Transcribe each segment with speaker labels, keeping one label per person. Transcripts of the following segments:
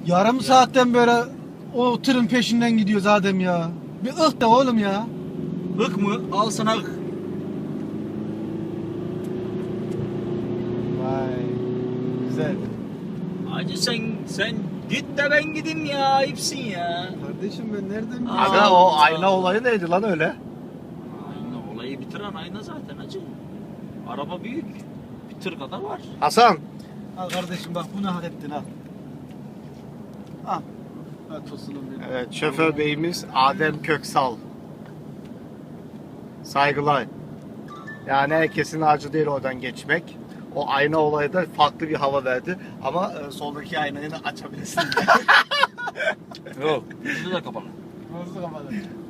Speaker 1: Yarım saatten böyle o tırın peşinden gidiyoruz Adem ya. Bir ıh de oğlum ya.
Speaker 2: Hık mı? Al sana hık.
Speaker 1: Vay. Güzel.
Speaker 2: Hacı sen git de ben gideyim ya. Ayıpsın ya.
Speaker 1: Kardeşim ben nereden bileyim?
Speaker 3: Aga o ayna olayı neydi lan öyle?
Speaker 2: Ayna olayı bitiren ayna zaten hacı. Araba büyük. Bir tır kadar var.
Speaker 3: Hasan.
Speaker 1: Al kardeşim bak bunu hak ettin al. Al. Al tosunum benim.
Speaker 3: Evet, şoför beyimiz Adem Köksal. Saygılar. Yani herkesin harcı değil oradan geçmek. O ayna olayı da farklı bir hava verdi. Ama soldaki aynayı da açabilirsin.
Speaker 2: Yok. Yüzü de kapalı.
Speaker 1: Nasıl kapalı?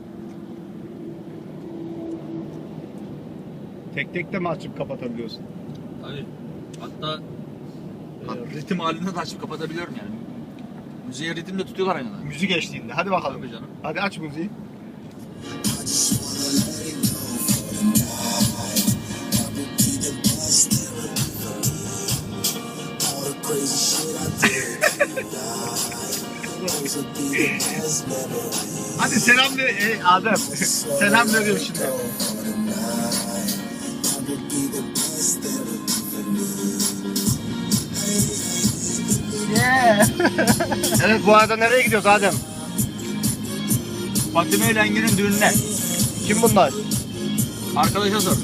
Speaker 3: Tek tek de mi açıp kapatabiliyorsun?
Speaker 2: Tabii. Hatta ritim halinde de açıp kapatabiliyorum yani. Müziğe ritimle tutuyorlar aynada.
Speaker 3: Müzik eşliğinde. Hadi bakalım.
Speaker 2: Tabii canım.
Speaker 3: Hadi aç müziği. Hadi selam ver Adem. Selam veriyorum şimdi. Yeah. Evet, bu arada nereye gidiyoruz Adem?
Speaker 2: Fatime ile Engin'in düğününe.
Speaker 3: Kim bunlar?
Speaker 2: Arkadaşa sor.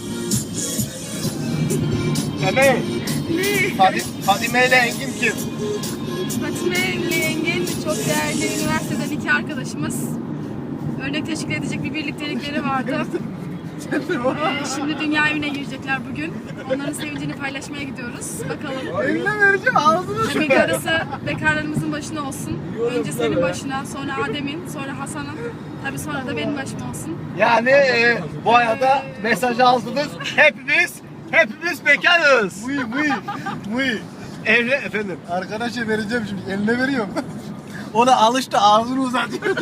Speaker 3: Emel. Fadime ile Engin kim?
Speaker 4: Fatime Engin çok değerli üniversiteden iki arkadaşımız. Örnek teşkil edecek bir birliktelikleri vardı. Şimdi dünya evine girecekler bugün. Onların sevincini paylaşmaya gidiyoruz. Bakalım.
Speaker 1: Eline vereceğim ağzını
Speaker 4: Tabii darısı bekarlarımızın başına olsun. Önce senin başına, sonra Adem'in, sonra Hasan'ın. Tabii sonra da benim başıma olsun.
Speaker 3: Yani bu arada mesajı aldınız. Hepimiz bekarız.
Speaker 1: Muy.
Speaker 3: Evli efendim.
Speaker 1: Arkadaşa vereceğim şimdi. Eline veriyorum. Ona alıştı ağzını uzatıyor.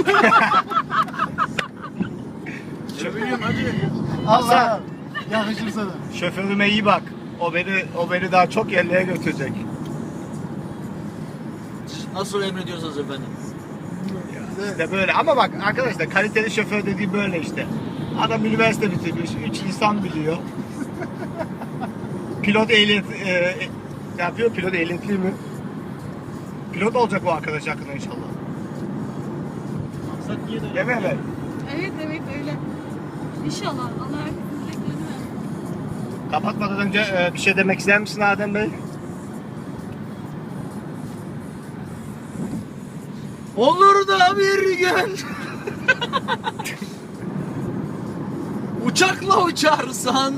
Speaker 2: Çeviriyorum hacı.
Speaker 1: Allah. Yakışır sana.
Speaker 3: Şoförüme iyi bak. O beni daha çok yerlere götürecek.
Speaker 2: Nasıl emrediyorsunuz efendim?
Speaker 3: İşte böyle ama bak arkadaşlar kaliteli şoför dediği böyle işte. Adam üniversite bitirmiş, 3 insan biliyor. Pilot ehliyet ne yapıyor? Pilot ehliyetli mi? Pilot olacak bu arkadaş hakkında inşallah.
Speaker 2: Maksat niye de
Speaker 3: Değil mi Emel?
Speaker 4: Evet öyle. İnşallah. Allah herkesin dileklerini versin.
Speaker 3: Kapatmadan önce bir şey demek ister misin Adem Bey?
Speaker 2: Olur da bir gün uçakla uçarsan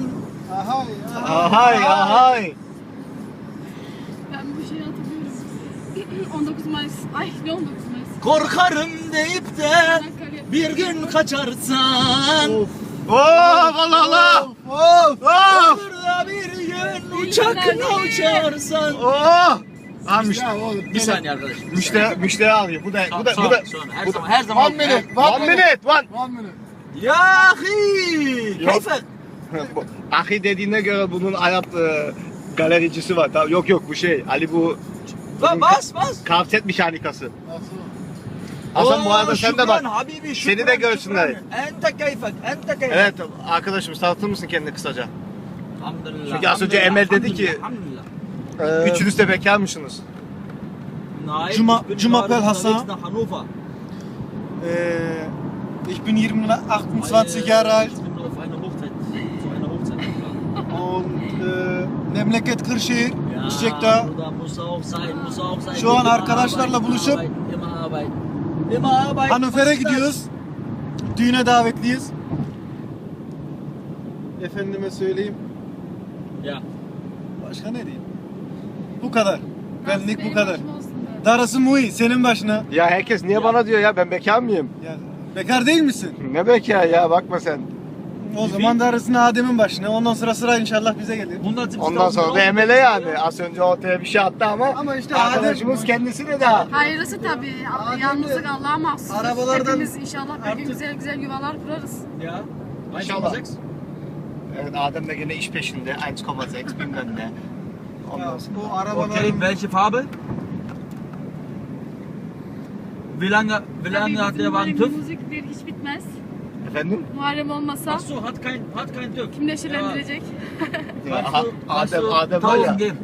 Speaker 3: Ahay.
Speaker 4: Ben bir şey hatırlıyorum. 19 Mayıs. Ay ne 19 Mayıs?
Speaker 2: korkarım deyip de
Speaker 4: Çanakkale.
Speaker 2: bir gün kaçarsan
Speaker 3: Allah.
Speaker 2: olur da bir gün uçakla uçarsan. Bir saniye arkadaş.
Speaker 3: Müşteri alıyor. Bu da
Speaker 2: Sonra, her zaman.
Speaker 3: One minute.
Speaker 2: Ya ahi.
Speaker 3: Yok.
Speaker 2: Keyfe.
Speaker 3: Ahi dediğine göre bunun Arap galericisi var. Tamam, yok bu şey. Ali bu
Speaker 2: Lan bas.
Speaker 3: kavset mekanikası. Hasan bu arada sen de bak.
Speaker 2: Habibi,
Speaker 3: Seni de görsünler.
Speaker 2: Ente keyfek.
Speaker 3: Evet arkadaşım, tanıtır mısın kendini kısaca?
Speaker 2: Alhamdulillah.
Speaker 3: Çünkü az önce Emel dedi ki üçünüz de bekarmışsınız.
Speaker 1: Cumapel Hasan.
Speaker 2: Hannover.
Speaker 1: Ich bin 28 Jahre alt
Speaker 2: Auf einer Hochzeit. Zu einer Hochzeit.
Speaker 1: und memleket Kırşehir, Çiçekdağ.
Speaker 2: Burada muss auch sein.
Speaker 1: Şu an arkadaşlarla buluşup
Speaker 2: Immer Arbeit.
Speaker 1: Hannover'e gidiyoruz. Düğüne davetliyiz. Efendime söyleyeyim.
Speaker 2: Ya.
Speaker 1: Başka ne diyeyim? Bu kadar. Benlik bu
Speaker 4: Benim
Speaker 1: kadar.
Speaker 4: başıma olsun be.
Speaker 1: Darısı Muhi senin başına.
Speaker 3: Ya herkes niye bana diyor ya, ben bekar mıyım?
Speaker 1: Ya, bekar değil misin?
Speaker 3: Ne bekar ya, bakma sen.
Speaker 1: O zaman darısını Adem'in başına. Ondan sonra sıra inşallah bize gelir.
Speaker 3: Ondan sonra da Emel'e yani. Az önce ortaya bir şey attı ama
Speaker 1: işte
Speaker 3: arkadaşımız
Speaker 1: Adem-
Speaker 3: kendisi de daha.
Speaker 4: Hayırlısı tabii. Yalnızlık Allah'a mahsus.
Speaker 1: Arabalardan
Speaker 4: Hepimiz inşallah bir gün
Speaker 1: artık-
Speaker 4: güzel yuvalar kurarız.
Speaker 2: Ja.
Speaker 3: İnşallah. Evet, Adem de gene iş peşinde. 1,6 bilmem ne. Ondan sonra.
Speaker 1: O arabaların
Speaker 2: Okay, welche Farbe? Wie lange hat der Wagen TÜV?
Speaker 4: Müzikleri hiç bitmez.
Speaker 3: Efendim?
Speaker 4: Muharrem olmasa
Speaker 2: Ach so, hat kein TÜV.
Speaker 4: kim neşelendirecek?
Speaker 3: Adem var ya.
Speaker 2: 1000 geben.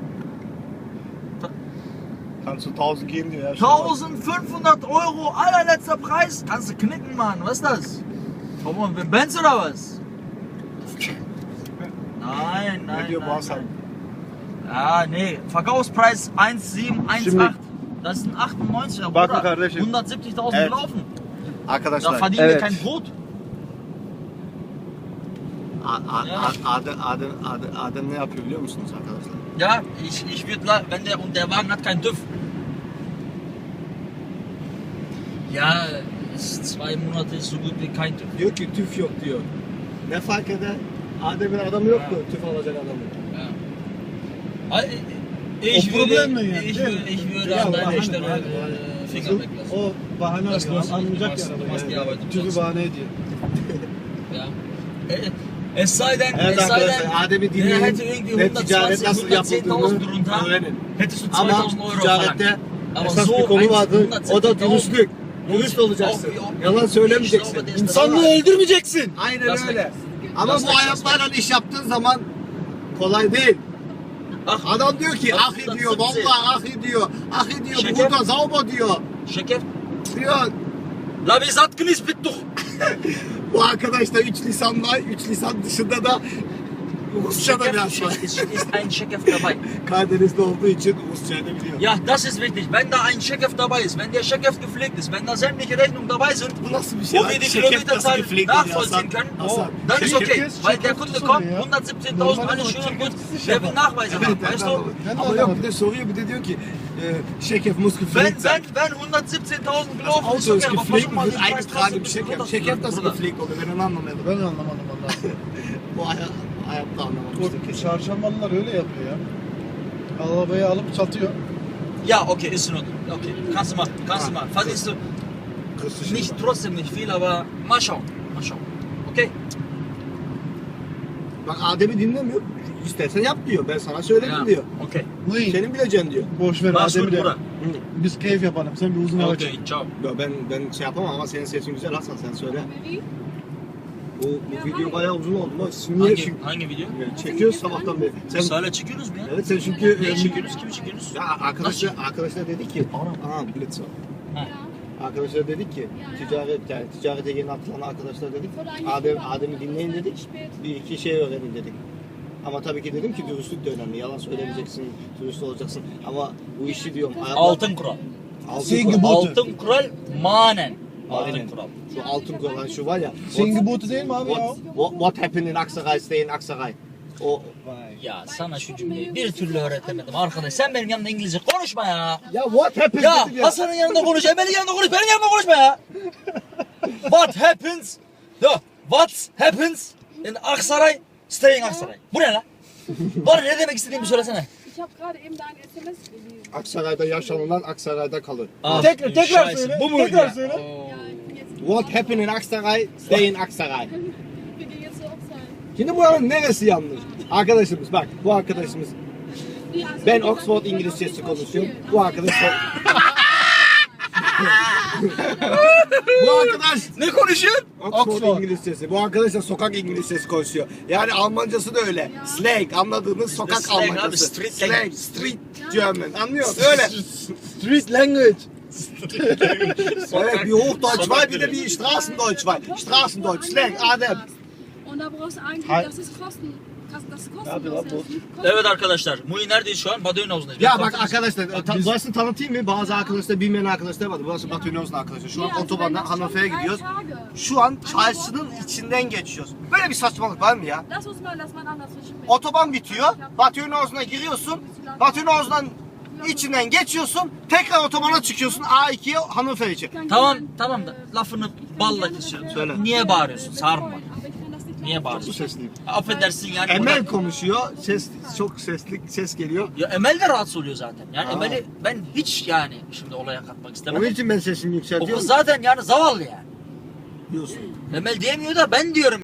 Speaker 3: Kannst du 1000 geben diyor ya.
Speaker 2: 1500 Euro, allerletzter Preis. Kannst du knicken, Mann. Was ist das? Komm on, Benz oder was? Nein,
Speaker 3: Ne diyor bu
Speaker 2: nein.
Speaker 3: Hasan?
Speaker 2: Ja, nee. Verkaufspreis 1718.
Speaker 3: Şimdi-
Speaker 2: Das sind 98 Euro.
Speaker 3: Bakın
Speaker 2: Bruder.
Speaker 3: kardeşim.
Speaker 2: 170.000
Speaker 3: Evet.
Speaker 2: gelaufen. Da
Speaker 3: Arkadaşlar.
Speaker 2: verdienen wir kein Brot.
Speaker 3: Adem ne yapıyor biliyor musunuz arkadaşlar?
Speaker 2: Ja, ich würde, wenn der Wagen hat keinen TÜV. Ja, ist 2 Monate ist so gut wie kein TÜV.
Speaker 3: Diyor ki tüf yok diyor. Ne fark eder? Adem'in adamı yok mu? Tüf alacak adamı.
Speaker 2: Ja. Ich
Speaker 1: O problem mi
Speaker 2: würde,
Speaker 1: yani?
Speaker 2: ich würde
Speaker 1: Ya,
Speaker 2: an deiner
Speaker 1: bahane,
Speaker 2: Stelle
Speaker 1: bahane.
Speaker 2: Finger weglassen.
Speaker 1: O bahane
Speaker 2: Das
Speaker 1: arıyor.
Speaker 2: muss-
Speaker 1: Anlayacak
Speaker 2: must-
Speaker 1: ya
Speaker 2: must die
Speaker 1: araba.
Speaker 2: Arbeit
Speaker 1: Tüzü
Speaker 2: umsetzen.
Speaker 1: bahane ediyor.
Speaker 2: Ja. Es sei denn,
Speaker 3: Evet
Speaker 2: es sei
Speaker 3: arkadaşlar,
Speaker 2: denn,
Speaker 3: Adem'i
Speaker 2: der
Speaker 3: dinleyin
Speaker 2: hätte irgendwie
Speaker 3: ve ticaret
Speaker 2: 120,
Speaker 3: nasıl
Speaker 2: 110.000
Speaker 3: yapıldığını
Speaker 2: drunter,
Speaker 3: öğrenin.
Speaker 2: hättest du
Speaker 3: Ama
Speaker 2: 2000 Euro
Speaker 3: ticarette
Speaker 2: verlangt. Aber
Speaker 3: esas
Speaker 2: so
Speaker 3: bir konu vardır. O da
Speaker 2: 170.000.
Speaker 3: dürüstlük. Dürüst olacaksın.
Speaker 2: Auch-
Speaker 3: Yalan söylemeyeceksin.
Speaker 2: Ich glaube, der ist
Speaker 3: İnsanlığı
Speaker 2: dabei.
Speaker 3: öldürmeyeceksin. Aynen
Speaker 2: Das
Speaker 3: öyle.
Speaker 2: weg.
Speaker 3: Ama
Speaker 2: Das
Speaker 3: bu
Speaker 2: weg, das
Speaker 3: hayatlarla iş yaptığın zaman kolay değil.
Speaker 2: Ach,
Speaker 3: Adam diyor ki
Speaker 2: Das-
Speaker 3: ah
Speaker 2: das
Speaker 3: ediyor,
Speaker 2: 17.
Speaker 3: vallahi ah ediyor, ah ediyor,
Speaker 2: Şeker.
Speaker 3: burada sauber diyor.
Speaker 2: Şeker.
Speaker 3: Diyor.
Speaker 2: La wir satt genießt bitte doch.
Speaker 3: Bu arkadaş da 3 lisanla, 3 lisan dışında da Rusça da biraz var.
Speaker 2: ist ein Checkev dabei.
Speaker 3: Karadeniz'de olduğu için Rusça'yı da biliyor.
Speaker 2: Ja, das ist wichtig. Wenn da ein Checkev dabei ist, wenn der Checkev gepflegt ist, wenn da sämtliche Rechnungen dabei sind,
Speaker 3: Bu nasıl bir şey?
Speaker 2: wo wir die Kilometerzahl nachvollziehen können, dann ist okay. Weil der Kunde kommt, 117.000, alles schön und gut, der will Nachweise haben, weißt du?
Speaker 3: Ama yok bir de soruyor bir de diyor ki Şekef muss gepflegt sein.
Speaker 2: Wenn 117.000
Speaker 3: Das
Speaker 2: gelaufen ist,
Speaker 3: Auto ist
Speaker 2: okay, aber
Speaker 3: gepflegt
Speaker 2: versuch mal
Speaker 3: und
Speaker 2: den
Speaker 3: wird
Speaker 2: Preis
Speaker 3: eingetragen
Speaker 2: trotzdem
Speaker 3: im
Speaker 2: ein bisschen
Speaker 3: Şekef. Şekef nasıl
Speaker 2: runterzudrücken,
Speaker 3: gepflegt oluyor ben onu anlamadım.
Speaker 1: Ben de anlamadım vallahi.
Speaker 3: Bu hayatta anlamamıştım
Speaker 1: Bu
Speaker 3: kesin.
Speaker 1: çarşambalılar öyle yapıyor ya. Arabayı alıp satıyor.
Speaker 2: Ja, okay, ist in Ordnung. Okay, kannst du machen. Verdienst du nicht, trotzdem nicht viel, aber mal schauen. Okay?
Speaker 3: Bak Adem'i dinlemiyor. İstersen yap diyor. Ben sana söyledim
Speaker 2: Ja,
Speaker 3: diyor.
Speaker 2: okay.
Speaker 1: Neyin?
Speaker 3: Senin bileceğin diyor.
Speaker 1: Boş ver
Speaker 2: Mach's
Speaker 1: Adem'i
Speaker 2: gut,
Speaker 1: de.
Speaker 2: Bruder.
Speaker 1: Biz keyif yapalım. Sen bir uzun hava çek.
Speaker 2: Okay, ciao.
Speaker 3: Ya ben şey yapamam ama senin sesin güzel Hasan sen söyle. Bu video bayağı uzun oldu ama siz niye
Speaker 2: Hangi video?
Speaker 3: çekiyoruz sabahtan beri?
Speaker 2: Biz hala çekiyoruz mu ya?
Speaker 3: Evet sen çünkü
Speaker 2: Neyi çekiyoruz? Kimi çekiyoruz?
Speaker 3: ya arkadaşlar dedik ki bilet sor. Arkadaşlar dedik ki ticarete yeni atılan arkadaşlar dedik. Adem'i dinleyin dedik. Bir iki şey öğrenin dedik. Ama tabii ki dedim ki dürüstlük de önemli. Yalan söylemeyeceksin, dürüst olacaksın. Ama bu işi diyorum.
Speaker 2: Altın kural. Altın kural manen. Altın
Speaker 3: Aynen.
Speaker 2: kural.
Speaker 3: Şu altın kural şu var ya.
Speaker 1: Senin botu değil mi abi ya?
Speaker 3: What happened in Aksaray, stay in Aksaray. O
Speaker 2: Ya sana şu cümleyi bir türlü öğretemedim arkadaş. Sen benim yanımda İngilizce konuşma ya.
Speaker 3: ya what happened
Speaker 2: Ya
Speaker 3: dedim
Speaker 2: Hasan'ın yanında konuş, Emel'in yanında konuş, benim yanımda konuşma ya. What happens? What happens in Aksaray? Stay in Aksaray. Bu ne lan? Bana ne demek istediğimi söylesene.
Speaker 4: Ich habe gerade eben dein SMS gelesen.
Speaker 3: Aksaray'da yaşanılan Aksaray'da kalır.
Speaker 1: Tekrar
Speaker 2: Scheiße,
Speaker 1: söyle.
Speaker 2: bu muydu
Speaker 1: Tekrar
Speaker 2: ya?
Speaker 1: söyle.
Speaker 4: Ja, ich bin jetzt.
Speaker 3: What happened in Aksaray, stay in Aksaray.
Speaker 4: Wir gehen jetzt zur Hochzeit.
Speaker 3: Şimdi buranın neresi yanlış? Arkadaşımız bak bu arkadaşımız
Speaker 4: Ja, also
Speaker 3: ben
Speaker 4: wie gesagt,
Speaker 3: Oxford
Speaker 4: wir wollen
Speaker 3: İngilizcesi
Speaker 4: auf jeden Fall
Speaker 3: konuşuyorum.
Speaker 4: spielen.
Speaker 3: Bu arkadaş bu arkadaş
Speaker 2: Ne konuşuyorsun?
Speaker 3: Oxford İngilizcesi. Bu arkadaş da sokak İngilizcesi konuşuyor. Yani Almancası da öyle. Slang anladığınız sokak
Speaker 2: Slang abi,
Speaker 3: Almancası.
Speaker 2: street
Speaker 3: Slang,
Speaker 2: language.
Speaker 3: street German. Anlıyor musun? Öyle.
Speaker 1: Street language.
Speaker 3: Evet bir Hochdeutsch var bir de bir Straßendeutsch var. Straßendeutsch, Slang, Adem.
Speaker 4: Und da brauchst du eigentlich,
Speaker 1: Hi.
Speaker 4: das ist das ist
Speaker 1: Hadi lan
Speaker 4: kostenlos.
Speaker 1: bu.
Speaker 2: Evet arkadaşlar, Muhi neredeyiz şu an? Badöğün havuzundayız.
Speaker 3: Ya
Speaker 2: Ben
Speaker 3: bak
Speaker 2: tanıtayım.
Speaker 3: arkadaşlar, burasını tanıtayım mı? Bazı arkadaşlar bilmeyen arkadaşlar var. Burası Batı Üniversitesi arkadaşlar. Şu an otobandan Hannover'e gidiyoruz. Şu an çarşının içinden geçiyoruz. Böyle bir saçmalık var mı ya?
Speaker 4: Lass uns mal das mal anders verschieben.
Speaker 3: Otoban bitiyor. Batı Üniversitesi'ne giriyorsun. Batı Üniversitesi'nin içinden geçiyorsun. Tekrar otobana çıkıyorsun. A2'ye Hannover için.
Speaker 2: Tamam da lafını balla kesiyorum.
Speaker 3: Söyle.
Speaker 2: Niye bağırıyorsun? Sarma.
Speaker 4: Aber ich kann das nicht
Speaker 2: Niye
Speaker 3: Bu
Speaker 2: bağırıyorsun?
Speaker 3: sesliyim.
Speaker 2: Affedersin yani.
Speaker 3: Emel
Speaker 2: burada-
Speaker 3: konuşuyor. Ses çok sesli ses geliyor.
Speaker 2: Ya Emel de rahatsız oluyor zaten. Yani
Speaker 3: Aa.
Speaker 2: Emel'i ben hiç yani şimdi olaya katmak
Speaker 3: Onun
Speaker 2: istemedim.
Speaker 3: için ben sesimi
Speaker 2: O
Speaker 3: yükseltiyorum.
Speaker 2: kız zaten yani zavallı yani.
Speaker 3: Diyorsun.
Speaker 2: Emel diyemiyor da ben diyorum.